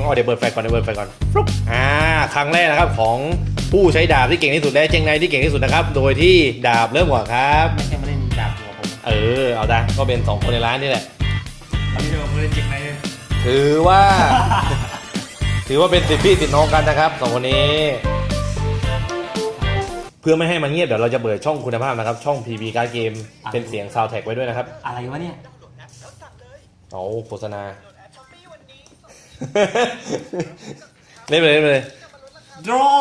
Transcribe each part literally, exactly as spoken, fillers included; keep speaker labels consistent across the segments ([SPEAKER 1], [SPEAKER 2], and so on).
[SPEAKER 1] อ๋อเดี๋ยวเปิดไฟก่อนเดี๋ยวเปิดไฟก่อนฟลุ๊ปอ่าครั้งแรกนะครับของผู้ใช้ดาบที่เก่งที่สุดและเจงไนที่เก่งที่สุดนะครับโดยที่ดาบเริ่มก่อนครับ
[SPEAKER 2] ไม่ใช่มาเล่นดาบหัวผม
[SPEAKER 1] เออเอาได้ก็เป็นสองคนในร้านนี่แหละ
[SPEAKER 2] ตอนนี้เรามาเล่นเจ็กไหน
[SPEAKER 1] ถือว่า ถือว่าเป็นสิทธิพี่สิทธิน้องกันนะครับสองคนนี้เพื่อไม่ให้มันเงียบเดี๋ยวเราจะเปิดช่องคุณภาพนะครับช่อง พี บี Card Game เป็นเสียงซาวด์แท็กไว้ด้วยนะครับ
[SPEAKER 2] อะไรวะเนี่ย
[SPEAKER 1] เอาโฆษณา เล่นไปเลยเล่นไปเลย
[SPEAKER 2] draw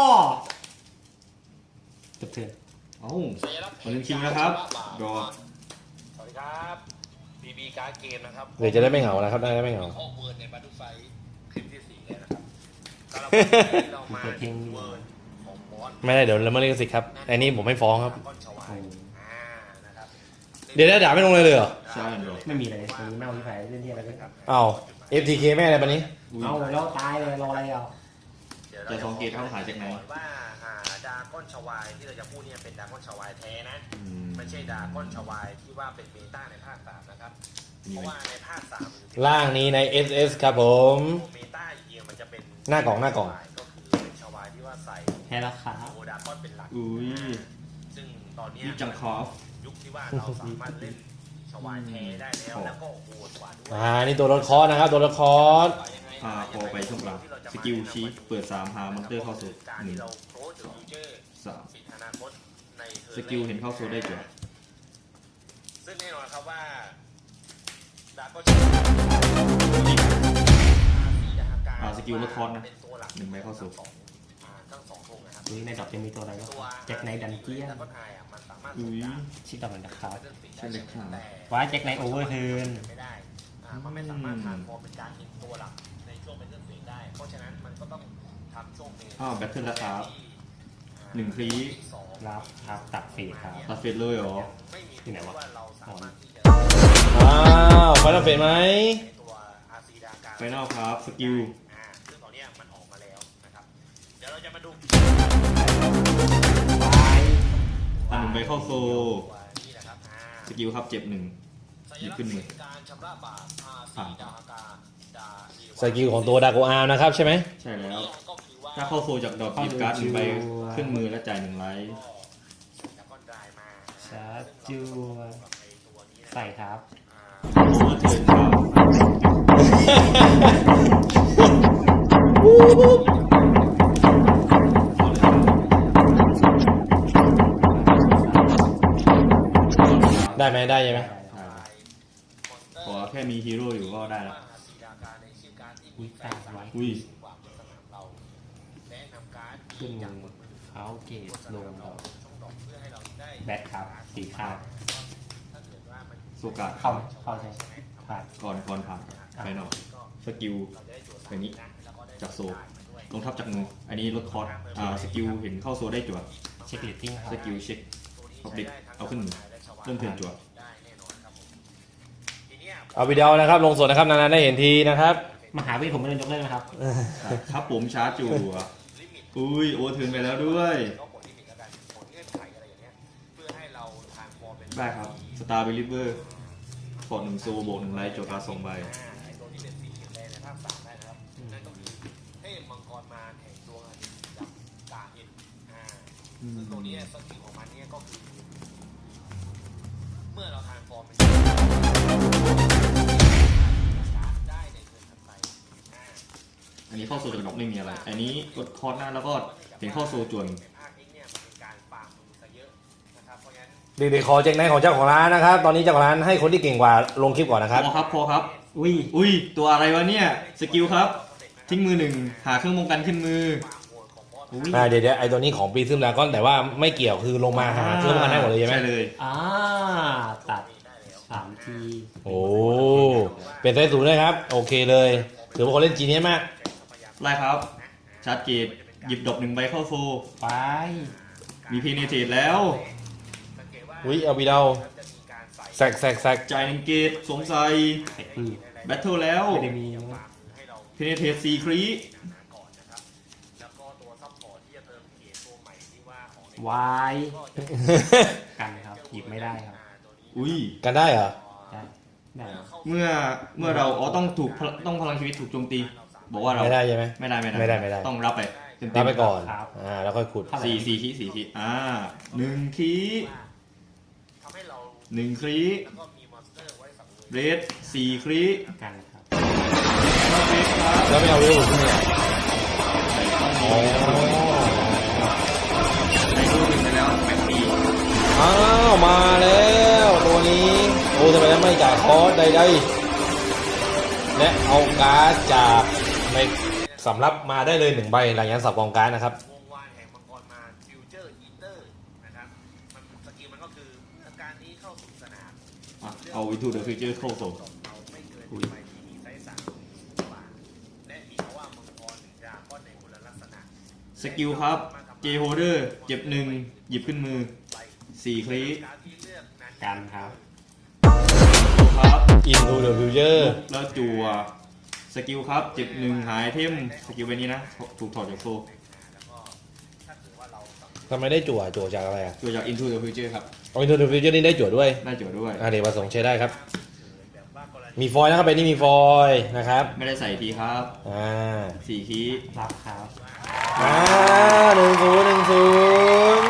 [SPEAKER 2] จบเทิร์น
[SPEAKER 3] เอ้ามาเล่นคิงนะครับรอ
[SPEAKER 1] สวัสดีครับ พี บี Card Game นะครับเดี๋ยวจะได้ไม่เหงานะครับได้ไม่เหงา
[SPEAKER 4] ข้อมูลในบัตรไฟคลิปที่สี่เลยนะครับเรามา
[SPEAKER 2] เปิดเพลง
[SPEAKER 4] เวิร์ดของมอส
[SPEAKER 1] ไม่ได้เดี๋ยวละเมิดลิขสิทธิ์ครับอันนี้ผมไม่ฟ้องครับ
[SPEAKER 4] ก้อนชวายอ่านะครับ
[SPEAKER 1] เดี๋ยวได้ด่าไม่ลงเลยเลยเหรอ
[SPEAKER 3] ใช่รอ
[SPEAKER 2] ไม่มีเลยวันนี้ไม่เอาที่ไหนเล่นที่อะไรกันครับ
[SPEAKER 1] อ้าว เอฟ ที เค แม่อะไรปะนี้
[SPEAKER 3] อุ้ย
[SPEAKER 2] เอาแล้วตายเลยรออะไรอ่ะ
[SPEAKER 4] เดี๋ยว
[SPEAKER 3] จะสังเกตเข้าหาจากไหน
[SPEAKER 4] ว่าอ่าดาก้อนชวายที่เราจะพูดเนี่ยเป็นดาก้อนชวายแท้นะ
[SPEAKER 3] อืม
[SPEAKER 4] ไม่ใช่ดาก้อนชวายที่ว่าเป็นเบต้าในภาคสามนะครับ
[SPEAKER 3] มี
[SPEAKER 4] เพ
[SPEAKER 3] ไหม
[SPEAKER 4] ราะว่าในภาคสาม
[SPEAKER 1] ล่างนี้ใน เอส เอส ครับผม
[SPEAKER 4] เบต้าจริงๆมันจะเป็น
[SPEAKER 1] หน้ากล่องหน้ากล่อง
[SPEAKER 4] ก็คือเป็นชวายที่ว่าใส่
[SPEAKER 2] แพ้ราคา
[SPEAKER 4] โอดาก้อนเป็นหลัก
[SPEAKER 3] อุ้ย
[SPEAKER 4] ซึ่งตอนเนี้ย
[SPEAKER 3] นี่จังคอฟ
[SPEAKER 4] ยุคที่ว่าเราสามารถเล่นชวายแท้ได้แล้วแล้วก็โหดกว่าด้วย
[SPEAKER 1] อ่า นี่ตัวรถคอร์สนะครับ ตัวรถคอร์ส
[SPEAKER 3] พาพอไปช่วงหลังสกิลชีเปิดสามพามอนเตอร์เข้าสู่
[SPEAKER 4] การ
[SPEAKER 3] หนึ่
[SPEAKER 4] ที่
[SPEAKER 3] ง
[SPEAKER 4] เราโคชฟิวเจอร์
[SPEAKER 3] สาม
[SPEAKER 4] ปิดอนาคตในทิร์
[SPEAKER 3] สกิลเห็นเข้าโซได้จ้ะ
[SPEAKER 4] ซึ่งแน่นอนครับว่าดาร์กก็
[SPEAKER 3] อ่าสกิลลดคอร์สนะ
[SPEAKER 4] เป็นตัวหลัก
[SPEAKER 3] หนึ่งใบเข้าสู่
[SPEAKER 4] อ่าทั้งสองธงนะครับ
[SPEAKER 2] ดูในดอกจะมีตัวอะไรก็
[SPEAKER 4] ตัว
[SPEAKER 2] แจ็คไนท์ดันเจียน
[SPEAKER 4] ดาร์กก็ไทยอ่ะมันสามารถ
[SPEAKER 3] อุ้ย
[SPEAKER 2] ชิดดอกเหมือนนะครับ
[SPEAKER 3] ใช่เลยครับ
[SPEAKER 4] แต่
[SPEAKER 2] ว้าแจ็คไนท์โอเวอร์เทิร์น
[SPEAKER 4] ไม่ได้อ่ามันไม่สามารถทานฟอร์มเป็นการเป็นตัวหลักในช่วงเป็นเรื่องเสียงได้ เพราะฉะนั้นมันก็ต้องทำช่วงเป็น
[SPEAKER 3] อ้าวแบทเทิลราคาหนึ่งครี
[SPEAKER 4] สอง
[SPEAKER 2] รับครับตัดฟีดครับ
[SPEAKER 3] ตัดเฟสเลยเหรอ
[SPEAKER 4] ไม่มี
[SPEAKER 2] ที่ไหนวะ
[SPEAKER 4] ว่าเราสามารถที่จะ
[SPEAKER 1] อ้าวไฟนอลเฟสไหม
[SPEAKER 4] ในตัว อาร์ ซี ดาการ
[SPEAKER 3] ไฟนอลครับสกิล
[SPEAKER 4] อ่าซึ่งตอนเนี้ยมันออกมาแล้วนะครับ เดี๋ยวเราจะมาดู
[SPEAKER 3] อันหนึ่งใบเข้าโซ
[SPEAKER 4] ตัวนี้นะครับอ่า
[SPEAKER 3] สกิลครับเจ็บหนึ่ง หยิบขึ้นมือ
[SPEAKER 4] การชำระบาป อาร์ ซี
[SPEAKER 3] อ่า
[SPEAKER 4] ดาการดาเอวา
[SPEAKER 1] สกิลของตัวดาโกอาร์นะครับใช่ไหม
[SPEAKER 3] ใช่แล้ว
[SPEAKER 4] ก็คือว่า
[SPEAKER 3] ถ้าเข้าโซจากดอกหยิบการ์ดหนึ่งใบขึ้นมือและจ่ายหนึ่งไลท์
[SPEAKER 4] ดาก้อนดรายมา
[SPEAKER 2] ชาร์จจัว
[SPEAKER 4] ในตัวนี้นะ
[SPEAKER 2] ใส่ครับ
[SPEAKER 4] อ่า
[SPEAKER 3] โอเวอร์เทิร์นครับ
[SPEAKER 1] ได้ไหมได้ใช่ไหม
[SPEAKER 3] ขอแค่มีฮีโร่อยู่ก็ได้แล้ว
[SPEAKER 4] อาร์ ซี ดาการในชื่อการ์ดที่
[SPEAKER 2] อุ้ยตายไว้
[SPEAKER 3] อุ้ย
[SPEAKER 4] กว่าบนสนามเราแนะนำการ์ด
[SPEAKER 2] ขึ้น
[SPEAKER 4] ที่
[SPEAKER 2] มื
[SPEAKER 4] จาก
[SPEAKER 2] อบ
[SPEAKER 4] นมือ
[SPEAKER 2] เขาเกตลงดอก
[SPEAKER 4] ช่องดอกเพื่อให้เราได้
[SPEAKER 2] แบทครับสีขาว
[SPEAKER 4] ถ้าเกิดว่ามัน
[SPEAKER 3] โซกะ
[SPEAKER 2] เข้าไหมเข้าใช่ไหมผ่าน
[SPEAKER 3] ก่อนก่อนผ่านไปหน่อยสกิลแบบนี้จากโซลงทับจากมืออันนี้ลดคอร์สอ่าสกิลเห็นเข้าโซได้จั่ว
[SPEAKER 2] เช็คเลตติ้งครั
[SPEAKER 3] ส
[SPEAKER 2] บ
[SPEAKER 3] กิลเช็คพับเด็กเอาขึ้นมือเริ่มเทิร์นจั่ว
[SPEAKER 4] ได้แน่นอนครับผมทีเนี้ย
[SPEAKER 1] เอาวิดีโอนะครับลงสดนะครับนานๆได้เห็นทีนะครับ
[SPEAKER 2] มหาวิทยาลัยผมไม่เล่นยกเลิกนะครับ
[SPEAKER 3] ครับผมชาร์จจั่วอุ้ยโอเวอร์เทิร์นไปแล้วด้วย
[SPEAKER 4] ก็กดลิมิตแล้วกันกดเงื่อนไขอะไรอย่างเงี้ยเพื่อให้เราทางฟอร์มเป็น
[SPEAKER 3] ได้ครับสตาร์เบลิเวอร์กดหนึ่งโซบวกหนึ่งไลท์จั่วการ์ดสองใบ
[SPEAKER 4] อ่าไอ้ตัวที่เป็นสีเขียวแดงในภาคสามได้นะครับนั่นก็คือเทพมังกรมารแห่งดวงอาทิตย์กับกาเอ็นอ่า ซึ่งตัวนี้สกิลของมันเนี่ยก็คือ เมื่อเราทานฟอร์มเป็นได้ในเทิร์นถัดไปอ่า
[SPEAKER 3] อันนี้เข้าโซจากดอกไม่มีอะไร อันนี้กดคอร์สหน้าแล้วก็เห็นเข้าโซจวน
[SPEAKER 4] ในภาคนี้เนี่ยมันเป็นการฟาร์มมือซะเยอะนะครับเพราะงั้น
[SPEAKER 1] เด็กๆขอเจ๊งในของเจ้าของร้านนะครับ ตอนนี้เจ้าของร้านให้คนที่เก่งกว่าลงคลิปก่อนนะครับ
[SPEAKER 3] พอครับพอครับ
[SPEAKER 2] อุ้ย
[SPEAKER 3] อุ้ยตัวอะไรวะเนี่ยสกิลครับ ทิ้งมือหนึ่งหาเครื่องป้องกันขึ้นมือ
[SPEAKER 2] อุ้ย
[SPEAKER 1] อ่าเดี๋ยวเดี๋ยวไอ้ตัวนี้ของปีซึมดราก้อนแต่ว่าไม่เกี่ยวคือลงมาหาเครื่องมันได้หมดเลยใช่ไหม
[SPEAKER 3] ใช่เลย
[SPEAKER 2] อ่าตัดสามที
[SPEAKER 1] โอ้เป็นไซส์สูงเลยครับ โอเคเลยถือว่าคนเล่นจีเนี้ยมาก
[SPEAKER 3] ไล่ครับ ชาร์จเกตหยิบดอกหนึ่งใบเข้าโซ
[SPEAKER 2] ไป
[SPEAKER 3] มีเพเนเทตแล้ว
[SPEAKER 1] อุ้ยเอาวีเดาแซกแซกแซก
[SPEAKER 3] จ่ายหนึ่งเกตสวมใส่
[SPEAKER 2] ใส่ปืน
[SPEAKER 3] แบทเทิลแล้ว
[SPEAKER 2] ไม่ได้มีนะ
[SPEAKER 3] เพเนเทตสี่ครี
[SPEAKER 4] ก่อนนะครับแล้วก็ตัวซัพพอร์ตที่จะเติมเกียร์ตัวใหม่ที่ว่าของใน
[SPEAKER 2] วายกันครับหยิบไม่ได้ครับ
[SPEAKER 3] อุ้ย
[SPEAKER 1] กันได้เหรอ
[SPEAKER 2] ได้ได้
[SPEAKER 3] เมื่อเมื่อเราอ๋อต้องถูกพลต้องพลังชีวิตถูกโจมตีบอกว่าเรา
[SPEAKER 1] ไม่ได้ใช่ไหม
[SPEAKER 3] ไม่ได้ไม่ได้
[SPEAKER 1] ไม่ได้ไม่ได้
[SPEAKER 3] ต้องรับไปเต็มๆ
[SPEAKER 1] รับไปก่อน
[SPEAKER 2] ครับ
[SPEAKER 1] อ่าแล้วค่อยขุด
[SPEAKER 3] สี่สี่คีสี่คีอ่าหนึ่งคี
[SPEAKER 4] ทำให้เรา
[SPEAKER 3] หนึ่งคี
[SPEAKER 4] แล้วก็มีมอนสเตอร์ไว้สังเวย
[SPEAKER 3] เรดสี่คี
[SPEAKER 2] กันครับ
[SPEAKER 1] แล้วไม่เอาเรื่องขึ้นเนี่ยอ๋อ
[SPEAKER 3] ในรูปหนึ่งไปแล้วแปดปี
[SPEAKER 1] อ้าวมาแล้วตัวนี้โอ้ทำไมไม่จ่ายคอร์สใดๆและเอาการ์ดจากในสำรับมาได้เลยหนึ่งใบหลังจากสับกองการ์ดนะครับ
[SPEAKER 4] วงวานแห่งมังกรมาฟิวเจอร์อีเตอร์นะครับมันสกิลมันก็คือเมื่อการนี้เข้าสู่สนาม
[SPEAKER 3] อ่ะเอา Into the Future เข้าโซน
[SPEAKER 4] เราไม่เกินไปที่มีไซส์สามบาทและมีเพราะว่ามังกรหนึ่งดราก้อนในคนละลักษณะ
[SPEAKER 3] สกิลครับ J Holder เจ็บหนึ่งหยิบขึ้นมือสี่คลิ
[SPEAKER 4] การที่เลือกนั้น
[SPEAKER 2] กันครับ
[SPEAKER 3] ครับ
[SPEAKER 1] Into the Future
[SPEAKER 3] แล้วจัวสกิลครับเจ็บหนึ่งหายเทมสกิลไปนี้นะถูกถอดจากโซ
[SPEAKER 4] แล้วก็ถ้าเกิดว่าเราสังเกต
[SPEAKER 1] ทำไมได้จั่วจั่วจากอะไรอ่ะ
[SPEAKER 3] จัวจาก Into the Future ครับ
[SPEAKER 1] เอา Into the Future นี่ได้จั่วด้วย
[SPEAKER 3] ได้จัวด้วย
[SPEAKER 1] อ่าเดี๋ยวประสงค์ใช้ได้ครับ
[SPEAKER 4] แบบว่ากรณี
[SPEAKER 1] มีฟอยล์นะครับใบนี้มีฟอยล์นะครับ
[SPEAKER 3] ไม่ได้ใส่ทีครับ
[SPEAKER 1] อ่า
[SPEAKER 3] สี่คี
[SPEAKER 2] รับครับ
[SPEAKER 1] อ่าหนึ่งศูนย์หนึ่งศูนย์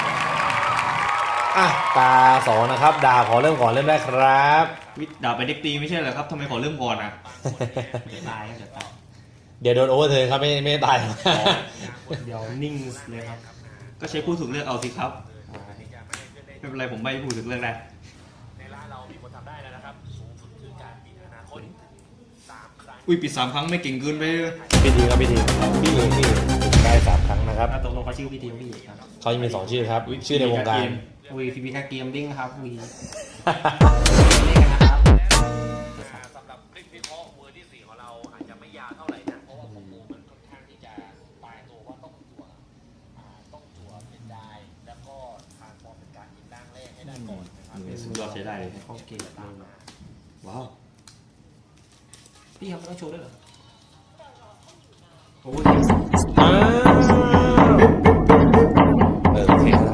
[SPEAKER 1] อ่ะตาสองนะครับดาบขอเริ่มก่อนเริ่มได้ครับ
[SPEAKER 3] วิดาบไปเด็กตีไม่ใช่เหรอครับทำไมขอเริ่มก่อนอ่ะ
[SPEAKER 2] เดี๋ยวตายครับเดี๋ยวตาย
[SPEAKER 1] เดี๋ยวโดนโอเวอร์เทิร์นครับไม่ไม่ตาย
[SPEAKER 2] เดี๋ยวนิ่งเลยครับ
[SPEAKER 3] ก็ใช้ผู้ถูกเลือกเอาสิครับ
[SPEAKER 2] อ่า
[SPEAKER 3] ไม่เป็นไรผมไม่ผู้ถูกเลือกได้
[SPEAKER 4] ในร้านเรามีคนทำได้แล้วนะครับ สูงสุดคือการปิดอนาคตสามครั้ง
[SPEAKER 3] อุ้ยปิดสามครั้งไม่เก่งเกินไปเลย
[SPEAKER 1] พี่ดีครับพี่ดีพี่เองพี่เองได้สามครั้งนะครับ
[SPEAKER 2] แล้วตกลงเขาชื่อพี่ทีมพี่ครับ
[SPEAKER 1] เขาจะมีสองชื่อครับ ชื่อในวงการ
[SPEAKER 2] วีพีพีแคเกมดิ้งครับวีเล่นกันนะครับ
[SPEAKER 4] สำหรับคลิปวิเคราะห์เวอร์ที่สี่ของเราอาจจะไม่ยาวเท่าไหร่นะเพราะว่าคอมโบมันค่อนข้างที่จะตายตัวว่าต้องจั่วอ่าต้องจั่วเป็นได้แล้วก็ทางฟอร์มเป็นการยิงร่างแรกให้ได้ก่อนนะครับ
[SPEAKER 3] มือสุดยอดใช้ได้เลย
[SPEAKER 2] โอเคตามมา
[SPEAKER 3] ว้าว
[SPEAKER 2] พี่ครับต้องโชว์ด้วยเหรอโอ้ย
[SPEAKER 1] อ้าวเออโอเคครับ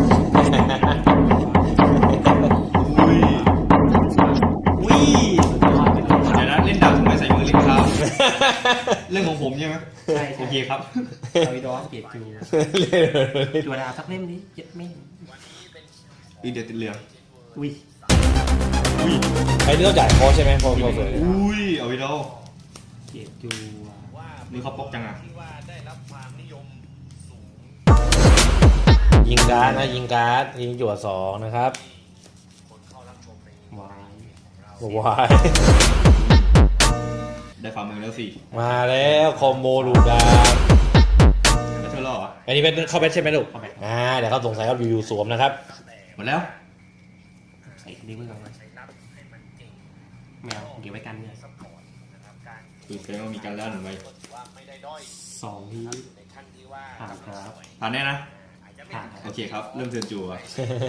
[SPEAKER 3] อุ้ย
[SPEAKER 2] อุ้ยสุดยอดไปเลย
[SPEAKER 3] เดี๋ยวนะเล่นดาบทำไมใส่มือเล่นครับ เรื่องของผมใช่ไหม
[SPEAKER 2] ใช่
[SPEAKER 3] โอเคครับ
[SPEAKER 2] เอาอีดอสเกียรติจูจัวดาวสักเล่มนี้เย็ดแม่ง
[SPEAKER 3] อีเดี๋ยวติดเรือ
[SPEAKER 2] อุ้ย
[SPEAKER 3] อุ้ย
[SPEAKER 1] ไอ้นี่ต้องจ่ายคอร์สใช่ไหมพอพอเสร็จ
[SPEAKER 3] อุ้ยเอาไปดู
[SPEAKER 2] เกียรติจูอ่ะ
[SPEAKER 4] ว่า
[SPEAKER 3] มือเขาปกจังอ่ะ
[SPEAKER 4] ที่ว่าได้รับความนิยมสูง
[SPEAKER 1] ยิงการ์ดนะยิงการ์ดยิงจั่วสองนะครับ
[SPEAKER 4] คนเข้ารับชมใน
[SPEAKER 2] วาย
[SPEAKER 1] วาย
[SPEAKER 3] ได้ฝ่ามือแล้วสิ
[SPEAKER 1] มาแล้วคอมโบลูดาบ
[SPEAKER 3] แล้วเธอรอดเหรอ
[SPEAKER 1] อันนี้เป็นเข้าแบทใช่ไหมลูก
[SPEAKER 2] เข้าไป
[SPEAKER 1] อ่าเดี๋ยวเขาสงสัยครับอยู่ๆสวมนะครับ
[SPEAKER 3] หมดแล้ว
[SPEAKER 2] ใส่ดีเพื่อนกัน
[SPEAKER 4] ใช้นับให้มันเก่ง
[SPEAKER 2] แมวเก็บไว้กันเนี่ย
[SPEAKER 4] ซัพพอร์ตนะครับการ
[SPEAKER 3] คือแสดงว่ามีการล่าหนึ่งไว้
[SPEAKER 4] ก็ถือว่าไม่ได้ด้อย
[SPEAKER 2] สองที
[SPEAKER 4] อยู่ในขั้นที่ว่า
[SPEAKER 2] ผ่านครับ
[SPEAKER 3] ผ่านแน่นะ
[SPEAKER 4] อาจจะไม่
[SPEAKER 2] ผ่าน
[SPEAKER 3] โอเคครับ เริ่มเทิร์นจัว
[SPEAKER 4] ว่า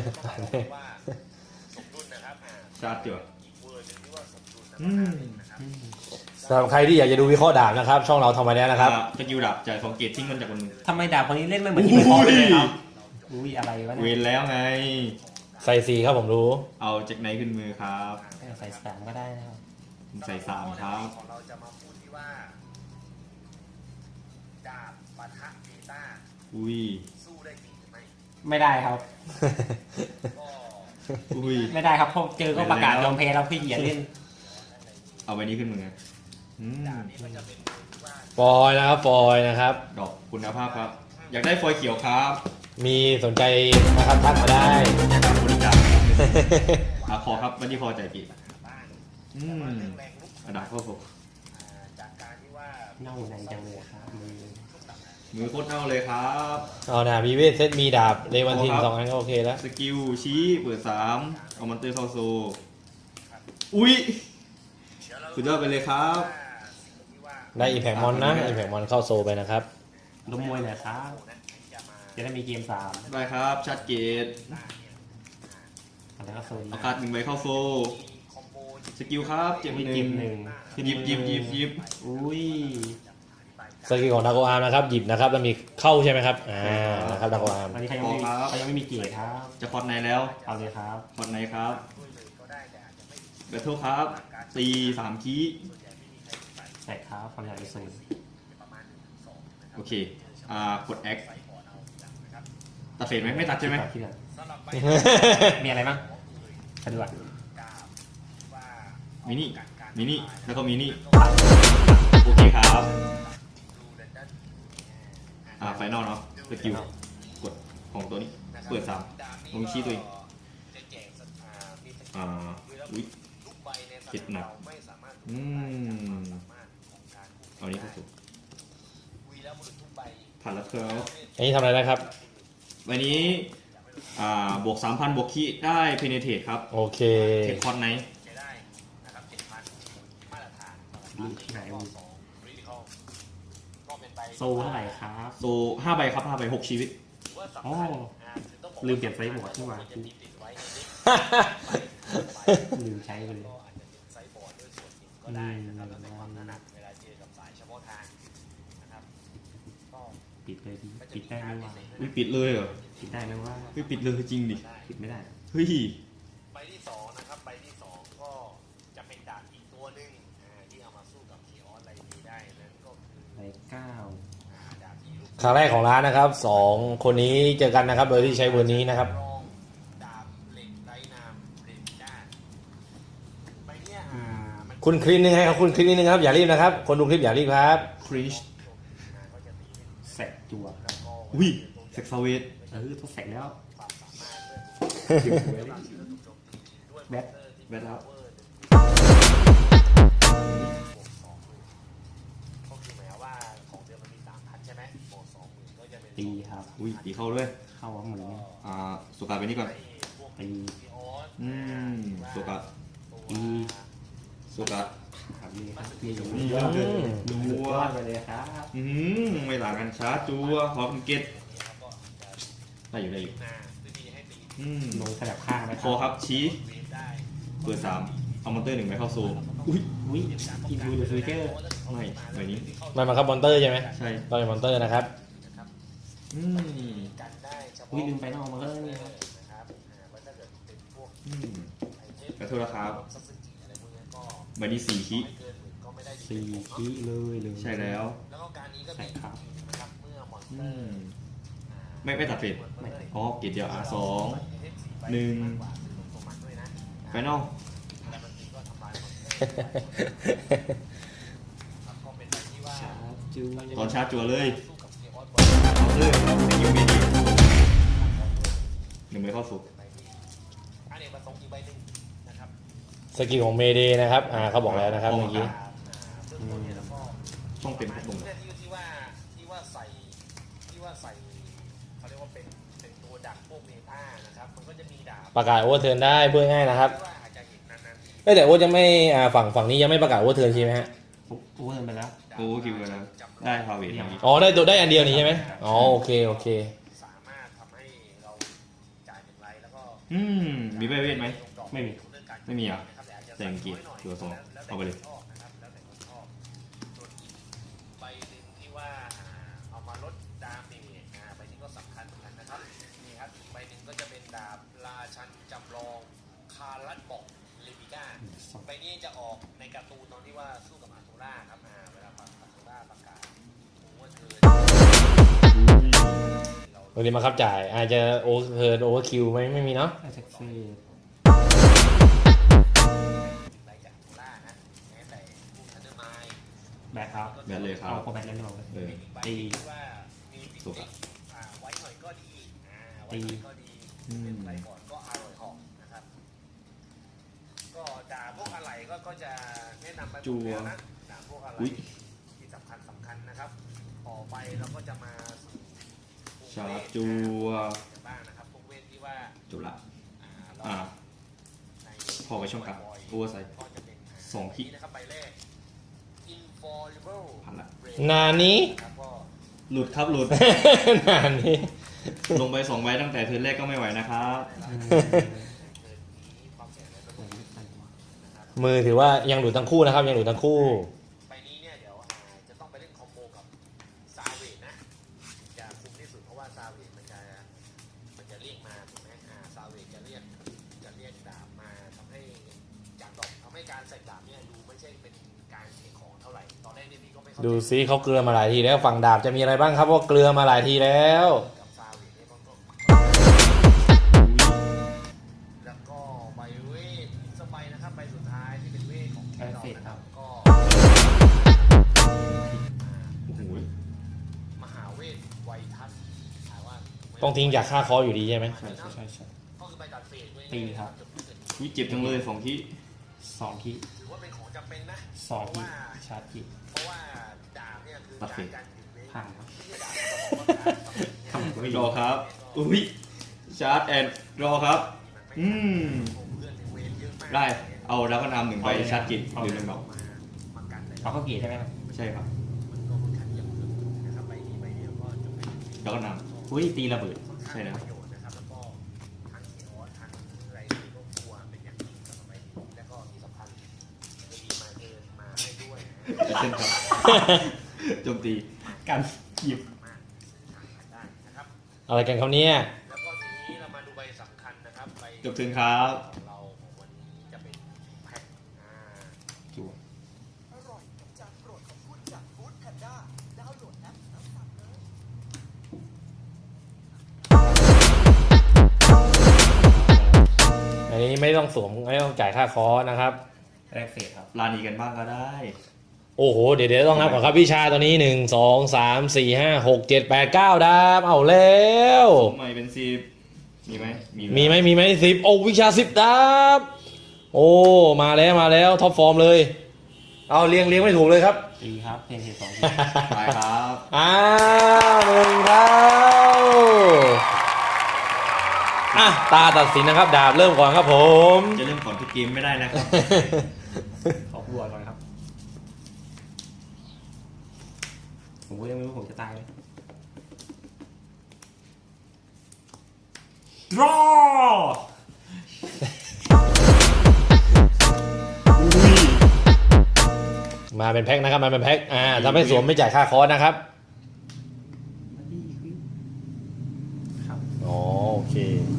[SPEAKER 4] สมดุลนะครับอ่า
[SPEAKER 3] ชาร์จจัว
[SPEAKER 4] อีกเวอร์หนึงที่ว่าสมดุลนะ
[SPEAKER 3] อืม
[SPEAKER 4] ครับ
[SPEAKER 2] อืม
[SPEAKER 1] สำหรับใครที่อยากจะดูวิเคราะห์ดาบนะครับ ช่องเราทำมาแล้วนะครับ
[SPEAKER 3] อ่าสกิลดาบจ่ายสองเกตทิ้งมันจากบนมือ
[SPEAKER 2] ทำไมดาบคนนี้เล่นไม่เหมือนที่ไม่พอเลยครับอุ้ยอะไรวะ
[SPEAKER 3] เว
[SPEAKER 2] เนี่ย
[SPEAKER 3] นแล้วไง
[SPEAKER 1] ใส่สีครับผมรู้
[SPEAKER 3] เอาจากไหนขึ้นมือครับ
[SPEAKER 2] ใส่สามก็ได้นะครับ
[SPEAKER 3] ผมใส่สามครับ
[SPEAKER 4] ของเราจะมาพูดที่ว่าดาบปะทะเบต้า
[SPEAKER 3] อุ้ย
[SPEAKER 4] สู้ได้จริงหรือไม่
[SPEAKER 2] ไม่ได้ครับ
[SPEAKER 4] ก็
[SPEAKER 3] อุ้ย
[SPEAKER 2] ไม่ได้ครับพอเจอก็ประกาศยอมแพ้แล้วพี่อย่าเล่น
[SPEAKER 3] เอาไว้นี้ขึ้นมืออืม
[SPEAKER 4] นี่มันจะเป็นที่ว่า
[SPEAKER 1] ฟอยล์นะครับฟอยล์นะครับ
[SPEAKER 3] ดอกคุณภาพครับ อยากได้ฟอยล์เขียวครับ
[SPEAKER 1] มีสนใจนะครับทักมาได้
[SPEAKER 3] อยากทำบริการอาคอครับวันที่พอใจายกี่
[SPEAKER 4] บ้าน
[SPEAKER 3] อืม
[SPEAKER 4] เรื่องแรงลุก
[SPEAKER 3] กระดาษข้อศก
[SPEAKER 4] อ่าจากการที่ว่า
[SPEAKER 2] เน่าในจังเลยครับมือ
[SPEAKER 3] มือโคตรเน่าเลยครับ
[SPEAKER 1] เอานะมีเวทเซตมีดาบเลวันทินสองอันก็โอเคแล้ว
[SPEAKER 3] สกิลชี้เปิดสามเอามันเตอร์เข้าโซ อุ้ย
[SPEAKER 4] เดี๋ยวเรา
[SPEAKER 3] สุดยอดไปเลยครับ
[SPEAKER 4] สิ่งที่ว่า
[SPEAKER 1] ได้อีแพกมอนนะอีแพกมอนเข้าโซไปนะครับ
[SPEAKER 2] ล้มมวยหน่อยครับ
[SPEAKER 4] จะมา
[SPEAKER 2] จะได้มีเกมสาม
[SPEAKER 3] ได้ครับชัดเกต
[SPEAKER 2] แล้วก็โซน
[SPEAKER 3] เอาการ์ดหนึ่งใบเข้าโซ
[SPEAKER 4] คอมโบ
[SPEAKER 3] สกิลครับเจ็บ
[SPEAKER 2] มี
[SPEAKER 3] ห
[SPEAKER 2] เก
[SPEAKER 3] นึ่ง
[SPEAKER 2] มหนึ่ง
[SPEAKER 3] หยิบหยิบหยิบหยิบ
[SPEAKER 2] อุ้ย
[SPEAKER 1] สกิลของดาโกอาร์มนะครับหยิบนะครับแล้วมีเข้าใช่ไหมครับอ่านะครับดาโกอาร์ม
[SPEAKER 2] ตอนนี้เขายังไม่มีเขายังไม่มีเกียรติครับ
[SPEAKER 3] จะคอร์ดในแล้ว
[SPEAKER 2] เอาเลยครับ
[SPEAKER 3] คอร์ดในครับ
[SPEAKER 4] ก็ได้แต่อาจจะไม่
[SPEAKER 3] เบทเทิลครับตีสามคีย์
[SPEAKER 2] ใส่ครับความยาวจะสูง
[SPEAKER 3] โอเคอ่ากด X ตัดเฟรมไหมไม่ตัดใช่ไหม
[SPEAKER 2] ที่เดือนมีอะไรบ้างสะดวก
[SPEAKER 3] มินิมินิแล้วก็มินิโอเคครับอ่าไฟนอลเนาะสกิลกดของตัวนี้เปิดสามลงชี้ตัวเองอ่าอุ้ยคิดหนักอืมเอานี้เข้าสู่ผ่านแล้วครับ
[SPEAKER 1] อันนี้ทำอะไรนะครับ
[SPEAKER 3] วันนี้อ่าบวก สามพัน บวกคีได้เพเนเทตครับ
[SPEAKER 1] โอเค
[SPEAKER 3] เทคคอนไนท์
[SPEAKER 2] ลูกที่ไหนวะโซเท่าไหร่ครับ
[SPEAKER 3] โซห้าใบครับห้าใบหกชีวิต
[SPEAKER 2] อ๋อลืมเปลี่ยนไซส์บอร์ดที่ว่าลืมใช้ไปเลยอืมปิดเลยดีปิดได้ไหมว่า
[SPEAKER 3] ไม่ปิดเลยเหรอ
[SPEAKER 2] ปิดได้ไหมว่า
[SPEAKER 3] ไม่ปิดเลยจริงดิ
[SPEAKER 2] ปิดไม่ได้
[SPEAKER 3] เฮ้ย
[SPEAKER 4] ใบที่สองนะครับใบที่สองก็จะเป็นดาบอีกตัวหนึ่งอ่าที่เอามาสู้กับเคออสไลนีได้นั่นก็คือ
[SPEAKER 2] ใบเก้า
[SPEAKER 4] อ่าดาบที่ลูก
[SPEAKER 1] ครั้งแรกของร้านนะครับสองคนนี้เจอกันนะครับ โดยที่ใช้เบอร์นี้นะครับ
[SPEAKER 4] รองดาบเหล็กไร้นามเรนด้าใบเนี้ยอ่ามัน
[SPEAKER 1] คุณคลิปนึงให้ครับคุณคลิปนิดนึงครับอย่ารีบนะครับ คนดูคลิปอย่ารีบครับ
[SPEAKER 3] คริช
[SPEAKER 4] ก็จะตีเป็น
[SPEAKER 2] แสกจัว
[SPEAKER 4] แล้วก็
[SPEAKER 3] อุ้ยเซ็กซาเวท
[SPEAKER 2] เออต้องแสกแล้ว
[SPEAKER 4] ความสามารถเรื่อง
[SPEAKER 2] ถึงเลย
[SPEAKER 4] ด้วย
[SPEAKER 2] แบท
[SPEAKER 3] แบทแล้ว
[SPEAKER 4] ก็คือหมายว่าของเดิมมันมีสามพันใช่ไหมบวกสองหมื่นก็จะเป็น
[SPEAKER 2] ตีครับ
[SPEAKER 3] อุ้ยตีเข้าด้วย
[SPEAKER 2] เข้าว่าหมุน
[SPEAKER 3] อ่าสุกาไปนี่ก่อน
[SPEAKER 4] พวก
[SPEAKER 2] ตี
[SPEAKER 4] พีออส
[SPEAKER 3] อืมสุกา
[SPEAKER 2] ตี
[SPEAKER 3] สุกา
[SPEAKER 2] ครับนี่ครับนี่อยู่
[SPEAKER 3] อืม
[SPEAKER 2] ยอดเลย
[SPEAKER 3] ดู
[SPEAKER 2] ยอ
[SPEAKER 3] ว่า
[SPEAKER 2] ดไปเลยครับ
[SPEAKER 3] อืมไม่หลังกันช้าจัวขอเป็นเกตได้อยู่ได้อยู่
[SPEAKER 4] หน้าจะมีให้ตี
[SPEAKER 3] อืม
[SPEAKER 2] ลงสลับข้างนะ
[SPEAKER 3] คอครับชี้
[SPEAKER 4] เวฟได้
[SPEAKER 3] เปิดสามเอามอนเตอร์หนึ่งไปเข้าโซอุ้ย
[SPEAKER 2] อุ้ยอินดูเดอะฟิวเจอร์
[SPEAKER 3] ไม่ใบนี้
[SPEAKER 1] มันมาครับมอนเตอร์ใช่ไหม
[SPEAKER 3] ใช่
[SPEAKER 1] ต้องเป็นมอนเตอร์นะครับ
[SPEAKER 3] อืม
[SPEAKER 4] กันได้เฉพาะ
[SPEAKER 2] อุ้ยลืมไปนอกมาก็นี่ครับ
[SPEAKER 4] นะครับอ่าว่าถ้าเกิดเป็นพวก
[SPEAKER 3] อืม
[SPEAKER 4] ไอเทม
[SPEAKER 3] ขอโทษนะครับ
[SPEAKER 4] ซัสซึกิอะไรพวกนี้ก็
[SPEAKER 3] ใบนี้สี่คี
[SPEAKER 4] ไม่เกินหมื่นก็ไม่ได้
[SPEAKER 2] สี่คีเลยเลย
[SPEAKER 3] ใช่แล้ว
[SPEAKER 4] แล้วก็การนี้ก็
[SPEAKER 2] ใช่
[SPEAKER 4] มี
[SPEAKER 2] ครับ
[SPEAKER 4] นะครับเมื่อมอนสเต
[SPEAKER 3] อื
[SPEAKER 4] อร์
[SPEAKER 3] มไม่ไม่ตัดเฟด
[SPEAKER 2] ไม่
[SPEAKER 3] อ๋อเกตเดียวอ่ะสองหนึ่งไฟนอล
[SPEAKER 2] ชาร์จจู
[SPEAKER 3] ตอนชาร์จจัวเลย
[SPEAKER 4] สู้กับเคออส
[SPEAKER 3] เอาเลยสกิลเมดิหนึ่งใบเข้าสู่
[SPEAKER 4] อันนี้ประสงค์อีกใบหนึ่งนะครับ
[SPEAKER 1] สกิลของเมเดนะครับอ่าเขาบอกแล้วนะครับเมื่อกี้
[SPEAKER 4] อ่าเบื้องต้นเนี่ยแล้วก็
[SPEAKER 3] ช่องเต็มทุกตรง
[SPEAKER 4] เนี่ยที่ที่ว่าที่ว่าใส่ที่ว่าใส่เขาเรียกว่าเป็นเป็นตัวดักพวกเมตานะครับมันก็จะมีดาบ
[SPEAKER 1] ประกาศโอเวอร์เทิร์นได้เพื่อง่ายนะครับ
[SPEAKER 4] ที่ว่าอาจจะเห็นนานๆที
[SPEAKER 1] เอ้ยแต่โอตยังไม่อ่าฝั่งฝั่งนี้ยังไม่ประกาศโอเวอร์เทิร์นใช่ไหมฮะ
[SPEAKER 2] โอ้เงินไปแล้ว
[SPEAKER 3] โอ้คิวกันแล้วได้พาเวทอย่างนี้
[SPEAKER 1] อ๋อได้ตัวได้อันเดียวนี้ใช่ไหมอ๋อโอเคโอเค
[SPEAKER 4] สามารถทำให้เราจ่ายหนึ่งไลท์แล้วก็
[SPEAKER 3] อืมมีใบเวทไหม
[SPEAKER 2] ไม่มี
[SPEAKER 3] ไม่มีอ่ะ แต่อังกฤษตัวสองเอาไปเลย
[SPEAKER 4] ชอบนะครับแล้วแต่คนชอบส่วนอีกใบหนึ่งที่ว่าอ่าเอามาลดดาเมจอ่าใบนี้ก็สำคัญเหมือนกันนะครับนี่ครับอีกใบหนึ่งก็จะเป็นดาบราชันจำลองคารัตบอกเลมิก้าใบนี้จะออกในการ์ตูนตอนที่ว่าสู้กับอาโทราครับอ่าเวลาอาโทราประกาศโอเวอร์เทิร์นเรา
[SPEAKER 1] วันนี้มาครับจ่ายอาจจะโอเวอร์เทิร์นโอเวอร์คิวไม่ไม่มีเนาะ
[SPEAKER 2] ไอเซ็กเซ่
[SPEAKER 4] ไล่จากโทรานะแม้แต่พวกทันเดอร์ไมล์
[SPEAKER 2] แบทครับ
[SPEAKER 3] แบทเลยครับ
[SPEAKER 2] เอาพอแบทเล่นเราเลย
[SPEAKER 3] เออ
[SPEAKER 4] ใบ
[SPEAKER 2] ตี
[SPEAKER 4] ที่ว่ามีปิด
[SPEAKER 3] สุก
[SPEAKER 4] ติ
[SPEAKER 3] อะ
[SPEAKER 4] ดอ่าไว้หน่อยก็ดีอ่าไว้หน่อยก็ดี
[SPEAKER 3] อืม
[SPEAKER 4] เป็นไรก่อนก็อร่อยหอมนะครับ ก็ด่าพวกอะไรก็ก็จะแนะนำไปหมดแล้วนะด่าพวกอะไร
[SPEAKER 3] อุ๊ย
[SPEAKER 4] ที่สำคัญสำคัญนะครับต่อไปเราก็จะมาสู่ภูมิ
[SPEAKER 3] ชา
[SPEAKER 4] เว
[SPEAKER 3] ร์จ
[SPEAKER 4] ท
[SPEAKER 3] จัว
[SPEAKER 4] กันบ้างนะครับภูมิเวทที่ว่า
[SPEAKER 3] จบละ
[SPEAKER 4] อ่าเรา
[SPEAKER 3] อ่า
[SPEAKER 4] ใน
[SPEAKER 3] พอไปช่องกลับ
[SPEAKER 4] บ่ยๆ
[SPEAKER 3] โอเวอร์ไซด์
[SPEAKER 4] ก็จะเป็น
[SPEAKER 3] สองขีด
[SPEAKER 4] นี้นะครับใบแรก infallible
[SPEAKER 3] ผ่านละ
[SPEAKER 1] นานนี้
[SPEAKER 4] นะครับก็
[SPEAKER 3] หลุดครับหลุด
[SPEAKER 1] นานนี้
[SPEAKER 3] ลงไปสองใบตั้งแต่เทิร์นแรกก็ไม่ไหวนะครับ
[SPEAKER 1] มือถือว่ายังหลุดทั้งคู่นะครับยังหลุดทั้งคู่
[SPEAKER 4] ไปนี้เนี่ยเดี๋ยวอ่าจะต้องไปเล่นคอมโบกับซาเวทนะจะคุ้มที่สุดเพราะว่าซาเวทมันจะมันจะเรียกมาถูกไหมอ่าซาเวทจะเรียกจะเรียกดาบมาทำให้จากดอกทำให้การใส่ดาบเนี่ยดูไม่ใช่เป็นกการเทของเท่าไหร่ตอนแรกเนี่ยพี่ก็ไม่เข้าใจ
[SPEAKER 1] ดูซิเขาเกลือมาหลายทีแล้วฝั่งดาบจะมีอะไรบ้างครับว่าเกลือมาหลายทีแล้ว
[SPEAKER 4] กับซาเวทเนี่ยก็ต้องแล้วก็ใบเวทอีกสักใบนะครับใบสุดท้ายที่เป็นเวทของทีมเรานะครับก็
[SPEAKER 3] โอ้โห
[SPEAKER 4] มหาเวทไวทัศน์ถามว่า
[SPEAKER 1] ต้องทิ้งจากค่าคออยู่ดีใช่ไหม
[SPEAKER 2] ใช่ใช่ใช่ใช่
[SPEAKER 4] ก็คือใบตัดเฟสด้วย
[SPEAKER 2] ตีครับ
[SPEAKER 3] อุ้ยเจ็บจังเลยสองที่
[SPEAKER 2] สองที่
[SPEAKER 4] ถือว่าเป็นของจำเป็นนะ
[SPEAKER 2] สองที่ชาร์จที่
[SPEAKER 4] เพราะว่าดาบเนี่ยคือการการหยุดเวท
[SPEAKER 2] ผ่านครับ
[SPEAKER 4] ไม่ใช่ดาบก็บอกว่าการ
[SPEAKER 2] ทำไม่
[SPEAKER 3] ร
[SPEAKER 2] ร
[SPEAKER 3] อ
[SPEAKER 2] อ
[SPEAKER 3] ครับอุ้ยชาร์จแอนรอครับ อืม
[SPEAKER 4] เพื่อนในเวทเยอะมาก
[SPEAKER 3] ได้เอาแล้วก็นำหนึ่งใบชาร์จกิจหรือหนึ่งดอก
[SPEAKER 4] มามากันเลย
[SPEAKER 2] เอาเข้าเกียร์ใช่ไหมครับ
[SPEAKER 3] ใช่ครับ
[SPEAKER 4] มันก็ค่อนข้างที่จะลึกนะครับใบนี้ใบเดียวก็จะเป็น
[SPEAKER 3] แล้วก็น
[SPEAKER 2] อุ้ยตีระเบิด
[SPEAKER 3] ใช่นะ
[SPEAKER 4] ประโยชน์นะครับแล้วก็ทั้งเขียวทั้งอะไรนี่ก็กลัวเป็นอย่างยิ่งสำหรับใบนี้แล้วก็ที่สำคัญจะมีมาเดินมาให้ด้วยนะ
[SPEAKER 3] ำเช่นครับโจมตี
[SPEAKER 2] กันหยิบ
[SPEAKER 4] มากซื้อขายได้นะครับ
[SPEAKER 1] อะไรกันเขาเนี่ย
[SPEAKER 4] แล้วก็ทีนี้เรามาดูใบสำคัญนะครับใบ
[SPEAKER 3] จบถึงครับ
[SPEAKER 4] ของเราของวันนี้จะเป็นแพ็คอ่า
[SPEAKER 2] จั่ว
[SPEAKER 5] อร่อยกับจานโปรดของคุณจากฟู้ดแพนด้าดาวน์โหลดแอปแล้วสั่งเลย
[SPEAKER 1] อันนี้ไม่ต้องสวมไม่ต้องจ่ายค่าคอร์สนะครับ
[SPEAKER 2] แรกเฟสครับ
[SPEAKER 3] ลานีกันบ้างก็ได้
[SPEAKER 1] โอ้โห เดี๋ยวเดี๋ยวต้องนับก่อนครับวิชาตัวนี้หนึ่งสองสามสี่ห้าหกเจ็ดแปดเก้าดาบเอาแล้ว
[SPEAKER 3] ใหม่เป็นสิบมีไหม
[SPEAKER 1] มีไหมมีไหมสิบโอ้วิชาสิบดาบโอ้มาแล้วมาแล้วท็อปฟอร์มเลย เอาเรียงเรียงไม่ถูกเลยครับ
[SPEAKER 2] ตีครับเพนเทสองที
[SPEAKER 3] ไปครับ
[SPEAKER 1] อ้าวหนึ่งครับอ่ะตาตัดสินนะครับ ดาบเริ่มก่อนครับผม
[SPEAKER 3] จะเริ่มก่อนทุกเกมไม่ได้นะครับ
[SPEAKER 2] ขอบัวก่อนครับ ผมก็ยังไม่รู้ผมจะตายเลย draw
[SPEAKER 1] มาเป็นแพ็คนะครับมาเป็นแพ็คอ่าถ้าไม่สวมไม่จ่ายค่าคอร์สนะครับ
[SPEAKER 2] ครับ
[SPEAKER 1] อ๋อโอเค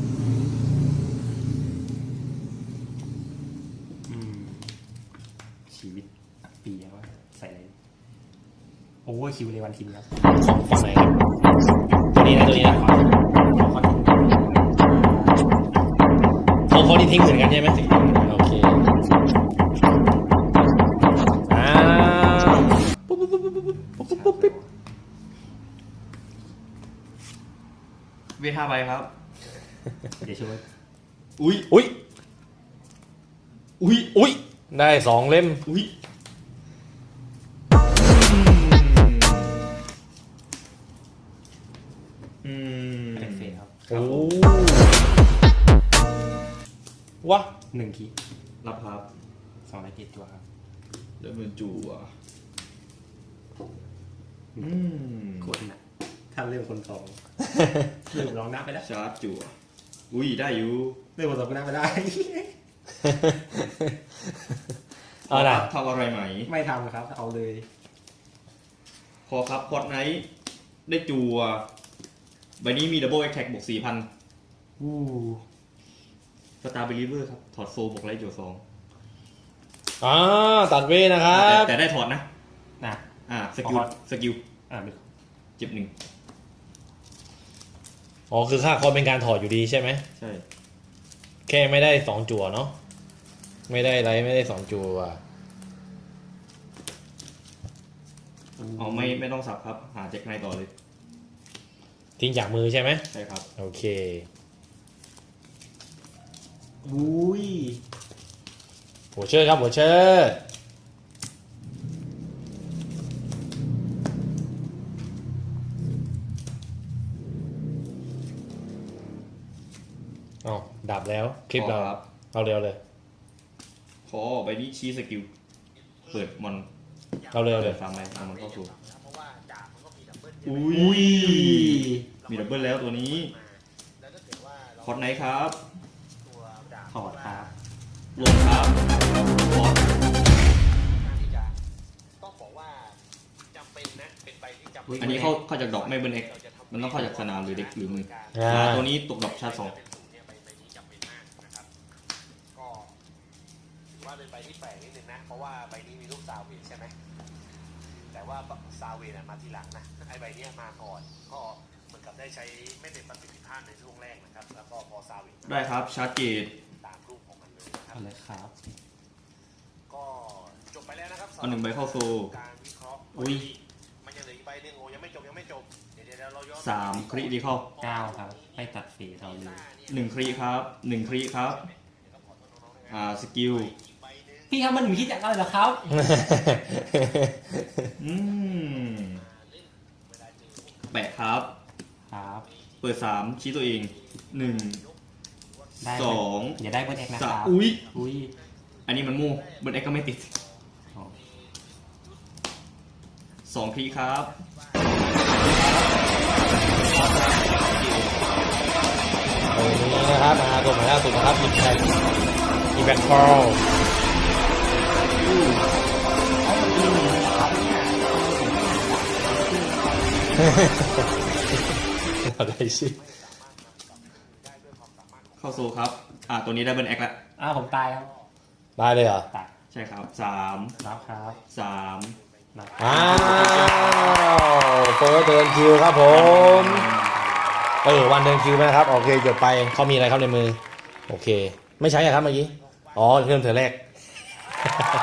[SPEAKER 2] อืมชีวิตอับปีแล้วว่าใส่อะไรโอเวอร์คิวเลยวันทีมครับ
[SPEAKER 1] ของฝั่งไหนครับตัวนี้นะตัวนี้นะ
[SPEAKER 2] ขอขอทีม
[SPEAKER 1] เขาเขาที่ทิ้งเหมือนกันใช่ไหมโอเคอ่าปุ๊บปุ๊บปุ๊บปุ๊บปุ๊บปุ๊บปุ๊บปุ๊บปุ๊บ
[SPEAKER 3] เวทห้าใบครับ
[SPEAKER 2] เดี๋ยวช่วย
[SPEAKER 3] อุ้ย
[SPEAKER 1] อุ้ย
[SPEAKER 3] อุ้ย
[SPEAKER 1] อุ้ยได้สองเล่ม
[SPEAKER 3] อุ้ยอืม
[SPEAKER 2] แรกเฟสครับ
[SPEAKER 1] โอ้วะ
[SPEAKER 2] หนึ่งคี
[SPEAKER 3] รับครับ
[SPEAKER 2] สองไรเกตตัวครับ
[SPEAKER 3] เดินมือจู่อ่ะอืม
[SPEAKER 2] กดนะถ้าเรื่องคนสองเรื่องร้องนับไปแล้ว
[SPEAKER 3] ชาร์จจู่อ่ะอุ้ยได้อยู่
[SPEAKER 2] เรื่องคนสองก็นับไปได้
[SPEAKER 1] เอาล่ะ
[SPEAKER 3] ทำอะไรไหม
[SPEAKER 2] ไม่ทำครับ เอาเลย
[SPEAKER 3] พอครับพอดไนท์ได้จัวใบนี้มีดับเบิลแอคแท็กบวกสี่พัน
[SPEAKER 2] อู้
[SPEAKER 3] สตาร์เบลิเวอร์ครับ ถอดโซบวกไลท์จัวสอง
[SPEAKER 1] อ่าตัดเวทนะครับ
[SPEAKER 3] แต่ได้ถอดนะ
[SPEAKER 2] นะ
[SPEAKER 3] อ่าสกิล
[SPEAKER 2] ถอด
[SPEAKER 3] สกิล
[SPEAKER 2] อ่าดู
[SPEAKER 3] เจ็บหนึ่ง
[SPEAKER 1] อ๋อคือค่าคอร์สเป็นการถอดอยู่ดีใช่ไหม
[SPEAKER 3] ใช่
[SPEAKER 1] แค่ไม่ได้สองจั่วเนาะไม่ได้ไรไม่ได้สองจั่ว
[SPEAKER 3] เอาไม่ไม่ต้องสับครับ หาแจ็คไนท์ต่อเลย
[SPEAKER 1] ทิ้งจากมือใช่ไหม
[SPEAKER 3] ใช่ครับ
[SPEAKER 1] โอเค
[SPEAKER 2] อุ้ย
[SPEAKER 1] หัวเชิดครับหัวเชิดอ๋อดับแล้วคลิปเรา
[SPEAKER 3] ขอครับ
[SPEAKER 1] เอาเร็วเลย
[SPEAKER 3] ขอใบนี้ชี้สกิล เปิดมอน
[SPEAKER 1] เอาเร็วเล
[SPEAKER 3] เปิ
[SPEAKER 1] ย
[SPEAKER 3] ดฟาร์มอะไรเอามันเข้าสู่
[SPEAKER 4] เพราะว่าดาบมันก็มีดับเบิล
[SPEAKER 3] อุ้ย
[SPEAKER 2] อุ้ย
[SPEAKER 3] มีดับเบิลแล้วตัวนี้
[SPEAKER 4] แล้วถ้าเกิดว่าเรา
[SPEAKER 3] คอร์ดไนท์ครับ
[SPEAKER 4] ตัวดาบ
[SPEAKER 2] ถอดครับ
[SPEAKER 3] ลงครับคอร์ด
[SPEAKER 4] การที่จะต้องบอกว่าจำเป็นนะเป็นใบที่จำเป็น
[SPEAKER 3] อันนี้เข้าเข้าจากดอกไม่เบิร์นเอ็กมันต้องเข้าจากสนามหรือเด็กหรือมือ
[SPEAKER 1] อ่า
[SPEAKER 3] อ่าตัวนี้ตกดอกชาร์จสอง
[SPEAKER 4] เป็นศูนย์เนี่ยใบใบนี้จำเป็นมากนะครับก็ถือว่าเป็นใบที่แปลกนิดนึงนะเพราะว่าใบนี้มีรูปซาเวใช่ไหมแต่ว่าซาเวน่ะมาทีหลังนะไอใบเนี้ยมาก่อนก็เหมือนกับได้ใช้ไม่เต็มประสิทธิภาพในช่วงแรกนะครับแล้วก็พอซาเว
[SPEAKER 3] ได้ครับชาร์จเกต
[SPEAKER 4] ตามรูปของมันเลยนะครั
[SPEAKER 2] เอาเลยครับ
[SPEAKER 4] ก็จบไปแล้วนะครับ
[SPEAKER 3] เอาหนึ่งใบเข้าโซ
[SPEAKER 4] การวิเคราะห์
[SPEAKER 3] อุ้ย
[SPEAKER 4] มันยังเหลืออีกใบหนึ่งโอ้ยังไม่จบยังไม่จบเดี๋ยวเดี๋ยวเราย้อน
[SPEAKER 3] สามคริดีเข้า
[SPEAKER 2] เก้าครับไม่ตัดฝีเราเลย
[SPEAKER 3] หนึ่งคริครับหนึ่งคริครับอ่าสกิล
[SPEAKER 2] พี่ครับมันหนูคิดจากอะไรเหรอครับ
[SPEAKER 3] อืมแปะครับ
[SPEAKER 2] ครับ
[SPEAKER 3] เปิดสามชี้ตัวเองหนึ่ง
[SPEAKER 2] ได้
[SPEAKER 3] สอง
[SPEAKER 2] อย่าได้เบิร์ดเอ็กนะค
[SPEAKER 3] สา
[SPEAKER 2] รั
[SPEAKER 3] ม
[SPEAKER 2] บ
[SPEAKER 3] อุ้ย
[SPEAKER 2] อุ้ย
[SPEAKER 3] อันนี้มันมู่เบิร์ดเอ็กก็ไม่ติด
[SPEAKER 2] อ๋อ
[SPEAKER 3] สองคลิกครับ
[SPEAKER 1] ตรงนี้นะครับมาตัวใหม่ล่าสุดนะครับอิมแพคอิมแพคฟอลอะไรสิ
[SPEAKER 3] เข้าโซครับ อ่าตัวนี้ได้เบิร์ดเอ็กแล้ว
[SPEAKER 2] อ้าวผมตายครับ
[SPEAKER 1] ได้เลยเหรอ
[SPEAKER 2] ตาย
[SPEAKER 3] ใช่ครับสาม
[SPEAKER 2] รับครับ
[SPEAKER 3] สาม
[SPEAKER 2] รับ
[SPEAKER 1] อ้าวเฟิร์สเดินคิวครับผม เออวันเดินคิวไหมนะครับ โอเคจบไปเขามีอะไรครับในมือ โอเค ไม่ใช้อะครับเมื่อกี้ อ๋อเริ่มเธอแรก